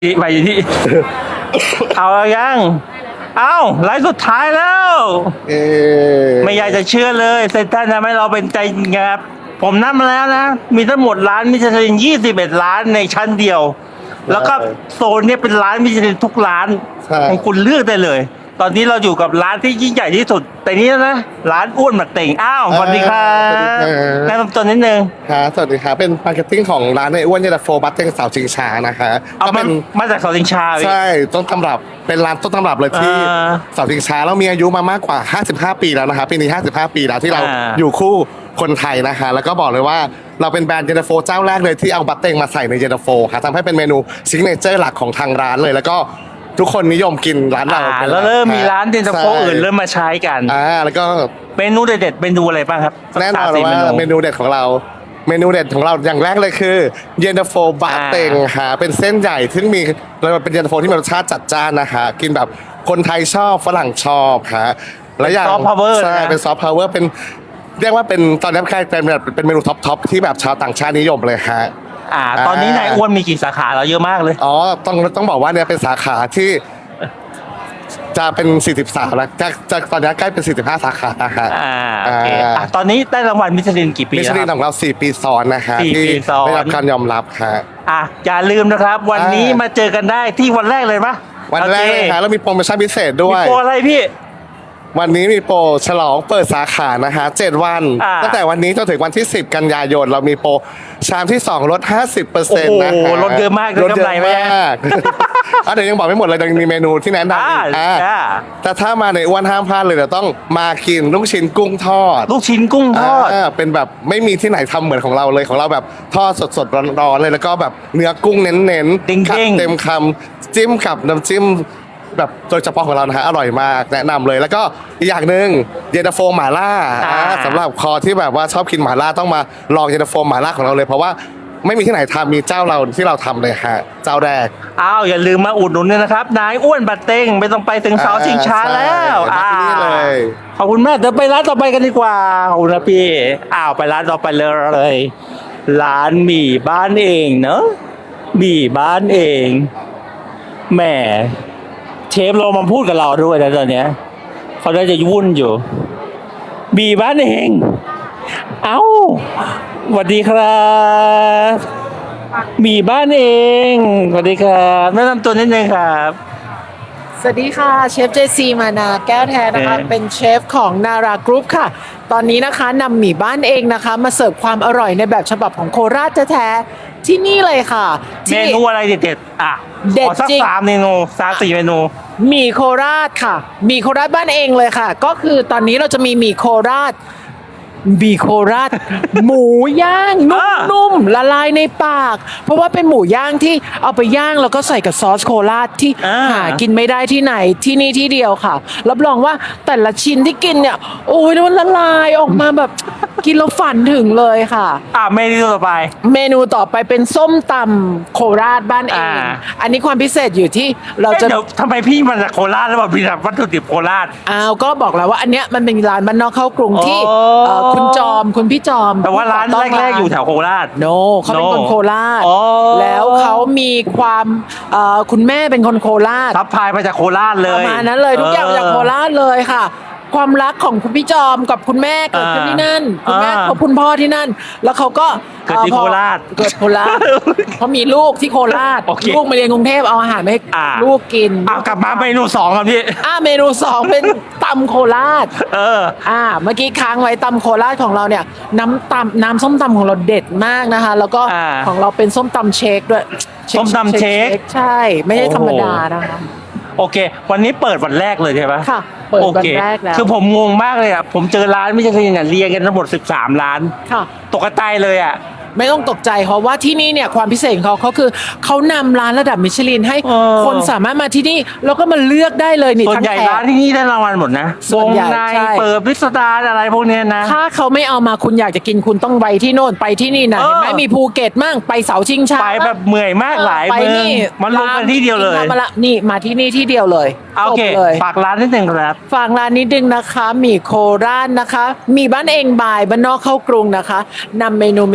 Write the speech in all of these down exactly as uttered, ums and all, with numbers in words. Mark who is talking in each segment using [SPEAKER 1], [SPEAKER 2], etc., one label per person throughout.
[SPEAKER 1] ไปที่ เอายังเอาไลฟ์สุดท้ายแล้วไม่อยากจะเชื่อเลยเซนตันทำให้เราเป็นใจครับผมนับมาแล้วนะ มีทั้งหมดร้านมิชลินยี่สิบเอ็ดร้านในชั้นเดียว แล้วก็โซนนี้เป็นร้านมิชลินทุกร้านของคุณเลือกได้เลย ตอนนี้เราอยู่กับร้านที่ยิ่งใหญ่ที่สุดแต่นี้นะร้านอ้วนหมักเต่งอ้าวสวัสดีครับแนะนำตัวนิดนึง
[SPEAKER 2] ครับสวัสดีครับเป็นมาร์เก็ตติ้งของร้านในอ้วนเยลโฟบัตเต็งสาวชิงชานะคะ
[SPEAKER 1] ก็เป็นมาจากเสาชิงชา
[SPEAKER 2] ใช่ต้นตำรับเป็นร้านต้นตำรับเลยที่เสาชิงชาแล้วมีอายุมามากกว่าห้าสิบห้าปีแล้วนะคะปีนี้ห้าสิบห้าปีแล้วที่เราอยู่คู่คนไทยนะคะแล้วก็บอกเลยว่าเราเป็นแบรนด์เยลโฟเจ้าแรกเลยที่เอาบัตเต็งมาใส่ในเยลโฟค่ะทำให้เป็นเมนูซิกเนเจอร์หลักของทางร้านเลยแล้วก็ทุกคนนิยมกินร้านเรา
[SPEAKER 1] แล้วเริ่มมีร้านเย็นตาโฟอื่นเริ่มมาใช้กัน
[SPEAKER 2] อ่าแล้วก็
[SPEAKER 1] เมนูเด็ดๆเมนูอะไรบ้างครับ
[SPEAKER 2] แน่นอนว่าเมนูเด็ดของเราเมนูเด็ดของเราอย่างแรกเลยคือเย็นตาโฟบะเต็งค่ะเป็นเส้นใหญ่ซึ่งมีเราเป็นเย็นตาโฟที่มีรสชาติจัดจ้านนะคะกินแบบคนไทยชอบฝรั่งชอบค่ะและอย่างใช่เป็นซอฟต์พาวเวอร์เป็นเรียกว่าเป็นตอนนี้ใครเป็นแบบเป็นเมนูท็อปท็อปที่แบบชาวต่างชาตินิยมเลยฮะ
[SPEAKER 1] อ่าตอนนี้นายอ้วนมีกี่สาขาเราเยอะมากเลย
[SPEAKER 2] อ๋อต้องต้องบอกว่าเนี่ยเป็นสาขาที่จะเป็นสี่สิบสามแล้วจะจะตอนนี้ใกล้เป็นสี่สิบห้าสาขานะฮะ
[SPEAKER 1] อ่าโอเคอ่ะตอนนี้ได้รางวัลมิชลินกี่ปี
[SPEAKER 2] มิชลินของเราสี่ปีซ้อนนะฮะที่ได้รับการยอมรับค่ะ
[SPEAKER 1] อ่ะอย่าลืมนะครับวันนี้มาเจอกันได้ที่วันแรกเลยปะ
[SPEAKER 2] วันแรกเลยค่ะแล้วมีโปรโมชั่นพิเศษด้วย
[SPEAKER 1] มีโปรอะไรพี่
[SPEAKER 2] วันนี้มีโปรฉลองเปิดสาขานะฮะเจ็ดวันตั้งแต่วันนี้จนถึงวันที่สิบกันยายนเรามีโปรชามที่สองลด ห้าสิบเปอร์เซ็นต์ นะฮะ
[SPEAKER 1] ลดเยอะมากลดเยอะมาก
[SPEAKER 2] อ่ะเดี๋ยวยังบอกไม่หมดเลยยังมีเมนูที่แนะนำอีกอ่ะแต่ถ้ามาในอ้วนห้ามพลาดเลยเดี๋ยวต้องมากินลูกชิ้นกุ้งทอด
[SPEAKER 1] ลูกชิ้นกุ้งทอด
[SPEAKER 2] เป็นแบบไม่มีที่ไหนทำเหมือนของเราเลยของเราแบบทอดสดๆร้อนๆเลยแล้วก็แบบเนื้อกุ้งเน้นๆเต็มคำจิ้มกับน้ำจิ้มแบบโดยเฉพาะของเรานะฮะอร่อยมากแนะนำเลยแล้วก็อีกอย่างหนึ่งเย็นตาโฟหม่าล่าสำหรับคอที่แบบว่าชอบกินหม่าล่าต้องมาลองเย็นตาโฟหม่าล่าของเราเลยเพราะว่าไม่มีที่ไหนทำมีเจ้าเราที่เราทำเลยฮะเจ้าแรก
[SPEAKER 1] อ้าวอย่าลืมมาอุดหนุนด้วยนะครับนายอ้วนบัตเต็งไม่ต้องไปถึงเสาชิงช้าแล้ว
[SPEAKER 2] อ่าเลย
[SPEAKER 1] ขอบคุณมากเดี๋ยวไปร้านต่อไปกันดีกว่าขอบคุณนะพี่อ้าวไปร้านต่อไปเลยร้านหมี่บ้านเองเนอะหมี่บ้านเองแหมเชฟเรามาพูดกับเราด้วยนะตอนนี้เขาได้จะวุ่นอยู่บีบ้านเองเอ้าสวัสดีครับบีบ้านเองสวัสดีครับแนะนำตัวนิดนึงครับ
[SPEAKER 3] สวัสดีค่ะเชฟเจซีมานาแก้วแท้นะคะเป็นเชฟของนารากรุ๊ปค่ะตอนนี้นะคะนำหมี่บ้านเองนะคะมาเสิร์ฟความอร่อยในแบบฉบับของโคราชแท้ๆที่นี่เลยค่ะ
[SPEAKER 1] เมนูอะไรเด็ดๆอ่ะ
[SPEAKER 3] เด็ดจริง
[SPEAKER 1] สามเมนูสามสี่เมนู
[SPEAKER 3] หมี่โคราชค่ะหมี่โคราชบ้านเองเลยค่ะก็คือตอนนี้เราจะมีหมี่โคราชหมี่โคราชหมูย่างนุ่มๆละลายในปากเพราะว่าเป็นหมูย่างที่เอาไปย่างแล้วก็ใส่กับซอสโคราชที่หากินไม่ได้ที่ไหนที่นี่ที่เดียวค่ะรับรองว่าแต่ละชิ้นที่กินเนี่ยโอ้ยมันละลายออกมาแบบกินแล้วฝันถึงเลยค่ะ
[SPEAKER 1] อ่ะเมนูต่อไป
[SPEAKER 3] เมนูต่อไปเป็นส้มตำโคราชบ้านเองอันนี้ความพิเศษอยู่ที่เราจะ
[SPEAKER 1] เดี๋ยวทำไมพี่มาจากโคราชแล้วแบบมีแบบวัตถุดิบโคราช
[SPEAKER 3] อ้าวก็บอกแล้วว่าอันเนี้ยมันเป็นร้านบ้านนอกเข้ากรุงที่คุณจอมคุณพี่จอม
[SPEAKER 1] แต่ว่าร้านแรกๆอยู่แถวโคราช
[SPEAKER 3] โนเขาเป็นคนโคราชแล้วเขามีความคุณแม่เป็นคนโคราช
[SPEAKER 1] ทับพายมาจากโคราชเลย
[SPEAKER 3] ประมาณนั้นเลยทุกอย่างจากโคราชเลยค่ะความรักของคุณพี่จอมกับคุณแม่เกิดขึ้นที่นั่นคุณแม่เขาคุณพ่อที่นั่นแล้วเขาก็
[SPEAKER 1] เกิดที่โคราช
[SPEAKER 3] เกิดโคราชเขามีลูกที่โคราชลูกมาเรียนกรุงเทพเอาอาหารมาให้ลูกกิน
[SPEAKER 1] เอากลับมาเมนูสองครับพี่
[SPEAKER 3] อ่าเมนูสองเป็นตำโคราช
[SPEAKER 1] เออ
[SPEAKER 3] อ่าเมื่อกี้ค้างไว้ตำโคราชของเราเนี่ยน้ำตำน้ำส้มตำของเราเด็ดมากนะคะแล้วก็ของเราเป็นส้มตำเชคด้วย
[SPEAKER 1] ส้มตำเชค
[SPEAKER 3] ใช่ไม่ใช่ธรรมดานะคะ
[SPEAKER 1] โอเควันนี้เปิดวันแรกเลยใช่ไหม
[SPEAKER 3] ค่ะเปิดวันแรกแล้ว
[SPEAKER 1] คือผมงงมากเลยอ่ะผมเจอร้านไม่ใช่คือเนี่ยเรียงกันทั้งหมดสิบสามร้าน
[SPEAKER 3] ค่ะ
[SPEAKER 1] ตกใจเลยอ่ะ
[SPEAKER 3] ไม่ต้องตกใจเพราะว่าที่นี่เนี่ยความพิเศษของเขาเขาคือเขานำร้านระดับมิชลินให้คนสามารถมาที่นี่แล้วก็มาเลือกได้เลยนี่
[SPEAKER 1] ส่วนใหญ่ร้านที่นี่ได้รางวัลหมดนะ
[SPEAKER 3] ส่วนใหญ่
[SPEAKER 1] เปิดพิสดารอะไรพวกนี้นะ
[SPEAKER 3] ถ้าเขาไม่เอามาคุณอยากจะกินคุณต้องไปที่โน่นไปที่นี่นะเห็นไหมมีภูเก็ตมั่งไปเสาชิงช้า
[SPEAKER 1] ไปแบบเมื่อยมากหลายเมืองมันลงกันที่เดียวเลย
[SPEAKER 3] มาละนี่มาที่นี่ที่เดียวเลย
[SPEAKER 1] โอเคฝากร้านนิดนึงครับ
[SPEAKER 3] ฝากร้านนิดนึงนะคะหมี่โคราชนะคะหมี่บ้านเองบายบ้านนอกเข้ากรุงนะคะนำเมนูมิชลินที่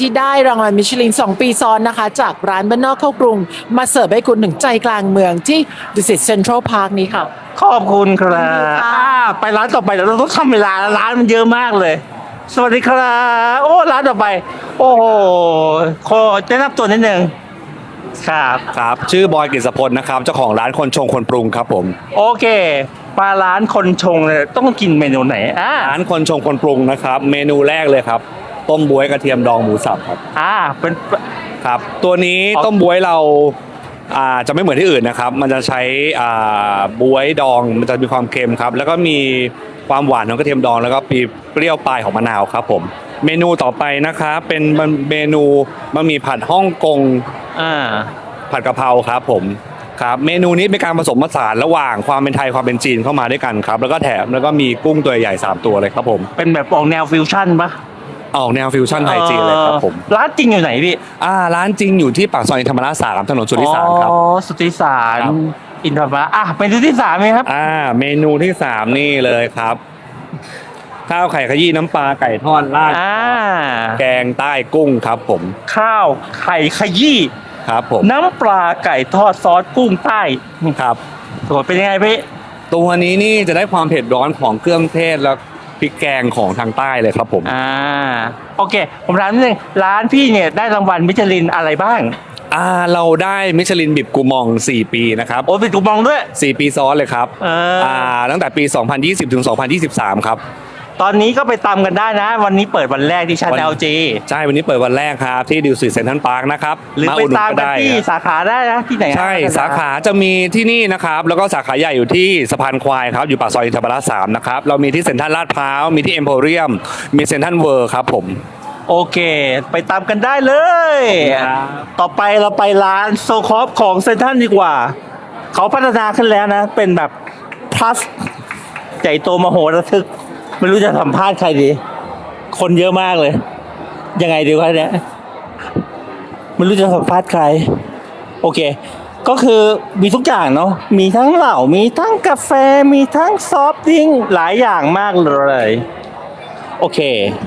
[SPEAKER 3] ที่ได้รางวัลมิชลินสองปีซ้อนนะคะ จากร้านบ้านนอกเข้ากรุง มาเสิร์ฟให้คุณถึงใจกลางเมืองที่ดุสิตเซ็นทรัลพาร์คนี้ค่ะ
[SPEAKER 1] ขอบคุณครับ
[SPEAKER 3] ค่ะ
[SPEAKER 1] อ่าไปร้านต่อไปเดี๋ยวเราต้องทำเวลาร้านมันเยอะมากเลย สวัสดีครับโอ้ร้านต่อไป โอ้โหขอแนะนำตัวนิดนึงครับ
[SPEAKER 4] ครับชื่อบอยกฤษพลนะครับเจ้าของร้านคนชงคนปรุงครับผม
[SPEAKER 1] โอเคมาร้านคนชงเนี่ยต้องกินเมนูไหนอ่า
[SPEAKER 4] ร้านคนชงคนปรุงนะครับเมนูแรกเลยครับต้มบ๊วยกระเทียมดองหมูสับครับ
[SPEAKER 1] อ่าเป็น
[SPEAKER 4] ครับตัวนี้
[SPEAKER 1] อ๋อ
[SPEAKER 4] ต้มบ๊วยเราอ่าจะไม่เหมือนที่อื่นนะครับมันจะใช้อ่าบ๊วยดองมันจะมีความเค็มครับแล้วก็มีความหวานของกระเทียมดองแล้วก็มีเปรี้ยวปลายของมะนาวครับผมเมนูต่อไปนะครับเป็นเมนูบะหมี่ผัดฮ่องกง
[SPEAKER 1] อ่า
[SPEAKER 4] ผัดกะเพราครับผมครับเมนูนี้เป็นการผสมผสานระหว่างความเป็นไทยความเป็นจีนเข้ามาด้วยกันครับแล้วก็แถมแล้วก็มีกุ้งตัวใหญ่สามตัวเลยครับผม
[SPEAKER 1] เป็นแบบออกแนวฟิวชั่นปะ
[SPEAKER 4] ออกแนวฟิวชั่นไทยจีนเลยครับผม
[SPEAKER 1] เออร้านจริงอยู่ไหนพี่
[SPEAKER 4] อ่าร้านจริงอยู่ที่ปากซอยธรรมราชสามถนนสุทธิสารครับ
[SPEAKER 1] อ๋อสุทธิสาร
[SPEAKER 4] ครับ
[SPEAKER 1] อินทรมาอ่ะเมนูที่สามไหมครับ
[SPEAKER 4] อ่าเมนูที่สามนี่เลยครับ ข้าวไข่ขยี้น้ำปลาไก่ทอดราด
[SPEAKER 1] อ่า
[SPEAKER 4] แกงใต้กุ้งครับผม
[SPEAKER 1] ข้าวไข่ขยี้
[SPEAKER 4] ครับผม
[SPEAKER 1] น้ำปลาไก่ทอดซอสกุ้งใต้
[SPEAKER 4] ครับ
[SPEAKER 1] สวยเป็นยังไงพี่
[SPEAKER 4] ตัวนี้นี่จะได้ความเผ็ดร้อนของเครื่องเทศและพริกแกงของทางใต้เลยครับผม
[SPEAKER 1] อ่าโอเค ผมถามนิดนึงร้านพี่เนี่ยได้รางวัลมิชลินอะไรบ้าง
[SPEAKER 4] อ่าเราได้มิชลินบิบกูมองสี่ปีนะครับ
[SPEAKER 1] โอ้เป็นกูมองด้วย
[SPEAKER 4] สี่ปีซ้อนเลยครับ
[SPEAKER 1] เอออ่
[SPEAKER 4] ตั้งแต่ปี สองพันยี่สิบ ถึง สองพันยี่สิบสาม ครับ
[SPEAKER 1] ตอนนี้ก็ไปตามกันได้นะ วันนี้เปิดวันแรกที่ชั้น
[SPEAKER 4] วัน
[SPEAKER 1] แอลจี
[SPEAKER 4] ใช่ วันนี้เปิดวันแรกครับ ที่ดิวสิตเซ็นทรัลพาร์คนะครับ
[SPEAKER 1] หรือไป
[SPEAKER 4] ดห
[SPEAKER 1] ตามกัน
[SPEAKER 4] ได้
[SPEAKER 1] ที่
[SPEAKER 4] ครับ
[SPEAKER 1] สาขาได้นะที่ไหน
[SPEAKER 4] ใช่ สาขาจะมีที่นี่นะครับ แล้วก็สาขาใหญ่อยู่ที่สะพานควายครับ อยู่ปากซอยอินทรประดิษฐ์สามนะครับ เรามีที่เซ็นทรัลลาดพร้าว มีที่เอ็มโพเรียม มีเซ็นทรัลเวิร์ครับผม
[SPEAKER 1] โอเค ไปตามกันได้เลย
[SPEAKER 4] ครับ
[SPEAKER 1] ต่อไปเราไปร้านโซคอฟของเซนทรัลดีกว่า เขาพัฒนาขึ้นแล้วนะ เป็นแบบ plus ใหญ่โตมโหฬารทึก ไม่รู้จะสัมภาษณ์ใครดี คนเยอะมากเลย ยังไงดีวะเนี่ย ไม่รู้จะสัมภาษณ์ใคร โอเค ก็คือมีทุกอย่างเนาะ มีทั้งเหล้า มีทั้งกาแฟ มีทั้งซอฟต์ดริงก์หลายอย่างมากเลย โอเค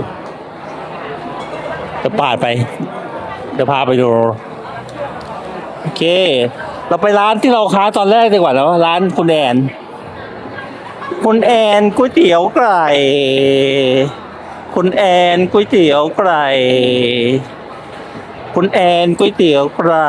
[SPEAKER 1] เดี๋ยวปาดไป เดี๋ยวพาไปดู โอเค เราไปร้านที่เราค้าตอนแรกดีกว่าแล้วร้านคุณแอน คุณแอนก๋วยเตี๋ยวไก่ คุณแอนก๋วยเตี๋ยวไก่ คุณแอนก๋วยเตี๋ยวไก่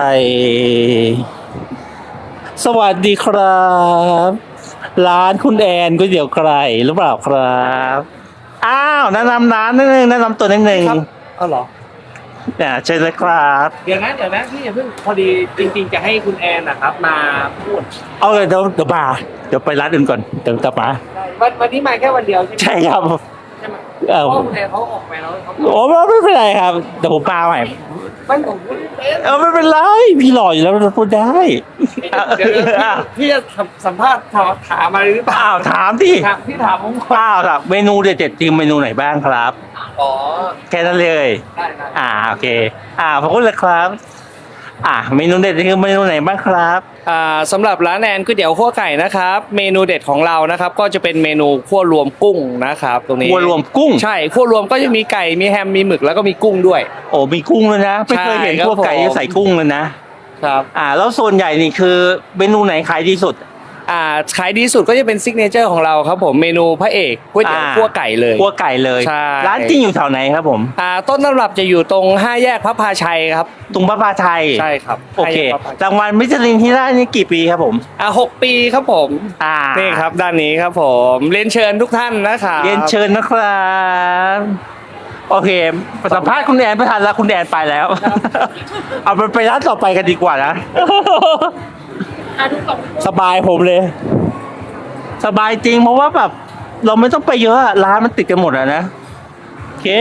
[SPEAKER 1] สวัสดีครับ ร้านคุณแอนก๋วยเตี๋ยวไก่หรือเปล่าครับ อ้าวแนะนำร้านนิดนึงแนะนำตัวนิดนึง
[SPEAKER 3] เอาเหรอ
[SPEAKER 1] เนี่ยเชิญเลยครับ
[SPEAKER 5] เดี๋ยวนะเดี๋ยวนะพี่อย่าเพิ่งพอดีจริงๆจะให้คุณแอนนะครับมาพูด
[SPEAKER 1] เอาเลยเดี๋ยวเดี๋ยวมาเดี๋ยวไปร้านอื่นก่อนเดี๋ยวกลับมา
[SPEAKER 5] วันวันนี้มาแค่วันเดียวใช่ไหม
[SPEAKER 1] ใช่ครับ
[SPEAKER 5] ใช่ไหม
[SPEAKER 1] เออ
[SPEAKER 5] เพราะคุณแอนเขาออกไปแล้วเขา
[SPEAKER 1] โอ้ไม่เป็นไรครับเดี๋ยวผมมาใหม่
[SPEAKER 5] ไม่ผมพูดเอ๊ะ
[SPEAKER 1] เออไม่เป็นไรพี่หล่ออยู่แล้วเราพูดได้
[SPEAKER 5] เดี๋ยวเดี๋ยวพี่พี่จะสัมภาษณ์ถามถามอะไรหรือเปล่า
[SPEAKER 1] อ้าวถามที่
[SPEAKER 5] ถามพี่ถามผมก่อน
[SPEAKER 1] อ้าวครับเมนูเด็ดๆจริงเมนูไหนบ้างครับ
[SPEAKER 5] อ๋อ
[SPEAKER 1] แค่นั้นเลย
[SPEAKER 5] ได้ได้
[SPEAKER 1] อ่าโอเค อ่าขอบคุณเลยครับ อ่าเมนูเด็ดคือเมนูไหนบ้างครับ
[SPEAKER 5] อ่าสำหรับร้านแอนก๋วยเตี๋ยวขั่วไก่นะครับ เมนูเด็ดของเรานะครับ ก็จะเป็นเมนูขั่วรวมกุ้งนะครับ ตรงนี้
[SPEAKER 1] วัวรวมกุ้ง
[SPEAKER 5] ใช่ขั่วรวมก็จะมีไก่มีแฮมมีหมึกแล้วก็มีกุ้งด้วย
[SPEAKER 1] โอ้มีกุ้งเลยนะไม่เคยเห็น
[SPEAKER 5] ใช่ครับ
[SPEAKER 1] พวกไก่
[SPEAKER 5] ผม
[SPEAKER 1] ที่ใส่กุ้งเลยนะ
[SPEAKER 5] ครับ
[SPEAKER 1] อ่า แล้วส่วนใหญ่นี่คือเมนูไหนขายดีสุด
[SPEAKER 5] อ่าขายดีสุดก็จะเป็นซิกเนเจอร์ของเราครับผมเมนูพระเอกก๋วยเตี๋ยว
[SPEAKER 1] อ่า
[SPEAKER 5] ขั่วไก่เลย
[SPEAKER 1] คั่วไก่เลย
[SPEAKER 5] ใช่
[SPEAKER 1] ร้านจริงอยู่แถวไหนครับผม
[SPEAKER 5] อ่าต้นตำรับจะอยู่ตรงห้าแยกพระพาชัยครับ
[SPEAKER 1] ตรงพระพาชัย
[SPEAKER 5] ใช่ครับ
[SPEAKER 1] โอเค
[SPEAKER 5] ห้าแยกพระพาชัย
[SPEAKER 1] รางวัลมิชลินที่ได้นี่กี่ปีครับผม
[SPEAKER 5] อ่าหกปีครับผม
[SPEAKER 1] อ่า
[SPEAKER 5] นี่ครับด้านนี้ครับผมเรียนเชิญทุกท่านนะครับ
[SPEAKER 1] เรียนเชิญนะครับ โอเคสัมภาษณ์คุณแอนไม่ทันแล้วคุณแอนไปแล้ว เอาไปไปร้านต่อไปกันดีกว่านะ สบายผมเลย สบายจริงเพราะว่าแบบเราไม่ต้องไปเยอะอะร้านมันติดกันหมดอะนะโอเค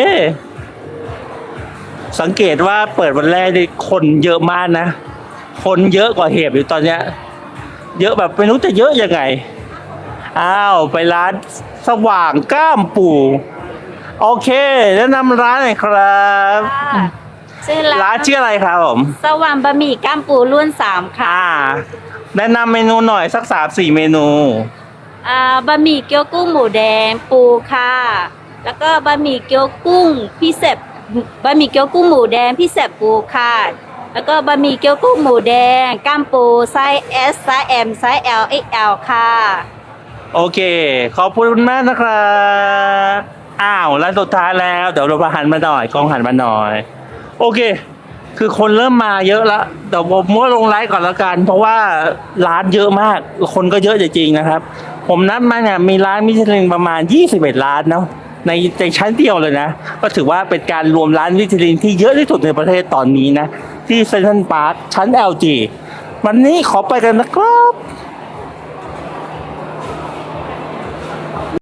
[SPEAKER 1] สังเกตว่าเปิดวันแรกนี่คนเยอะมากนะ คนเยอะกว่าเหตุอยู่ตอนเนี้ย เยอะแบบไม่รู้จะเยอะยังไง อ้าวไปร้านสว่างก้ามปู่ โอเคแนะนำร้านหน่อยครับ
[SPEAKER 6] ค่ะชื่อ
[SPEAKER 1] ร้า
[SPEAKER 6] ร้าน น
[SPEAKER 1] ชื่ออะไรครับผม
[SPEAKER 6] สว่างบะหมี่ก้ามปูรุ่นสามค่ะ
[SPEAKER 1] อ่า แนะนำเมนูหน่อยสักสามสี่เมนู
[SPEAKER 6] อ่าบะหมี่เกี๊ยวกุ้งหมูแดงปูค่ะ แล้วก็บะหมี่เกี๊ยวกุ้งพิเศษบะหมี่เกี๊ยวกุ้งหมูแดงพี่แสบปูค่ะ แล้วก็บะหมี่เกี๊ยวกุ้งหมูแดงก้ามปูไซส์ S ไซส์ M ไซส์ L เอ็กซ์ แอล ค่ะ
[SPEAKER 1] โอเค ขอบคุณมากนะครับอ้าวแล้วสุดท้ายแล้วเดี๋ยวเราหันมาหน่อยกล้องหันมาหน่อย โอเค คือคนเริ่มมาเยอะแล้วเดี๋ยวผมมั่วลงไลฟ์ก่อนแล้วกัน เพราะว่าร้านเยอะมาก คนก็เยอะจริงๆนะครับ ผมนับมาเนี่ยมีร้านมิชลินประมาณยี่สิบเอ็ดร้านเนาะในในชั้นเดียวเลยนะ ก็ถือว่าเป็นการรวมร้านมิชลินที่เยอะที่สุดในประเทศตอนนี้นะ ที่เซ็นทรัลพาร์คชั้น แอล จี วันนี้ขอไปกันนะครับ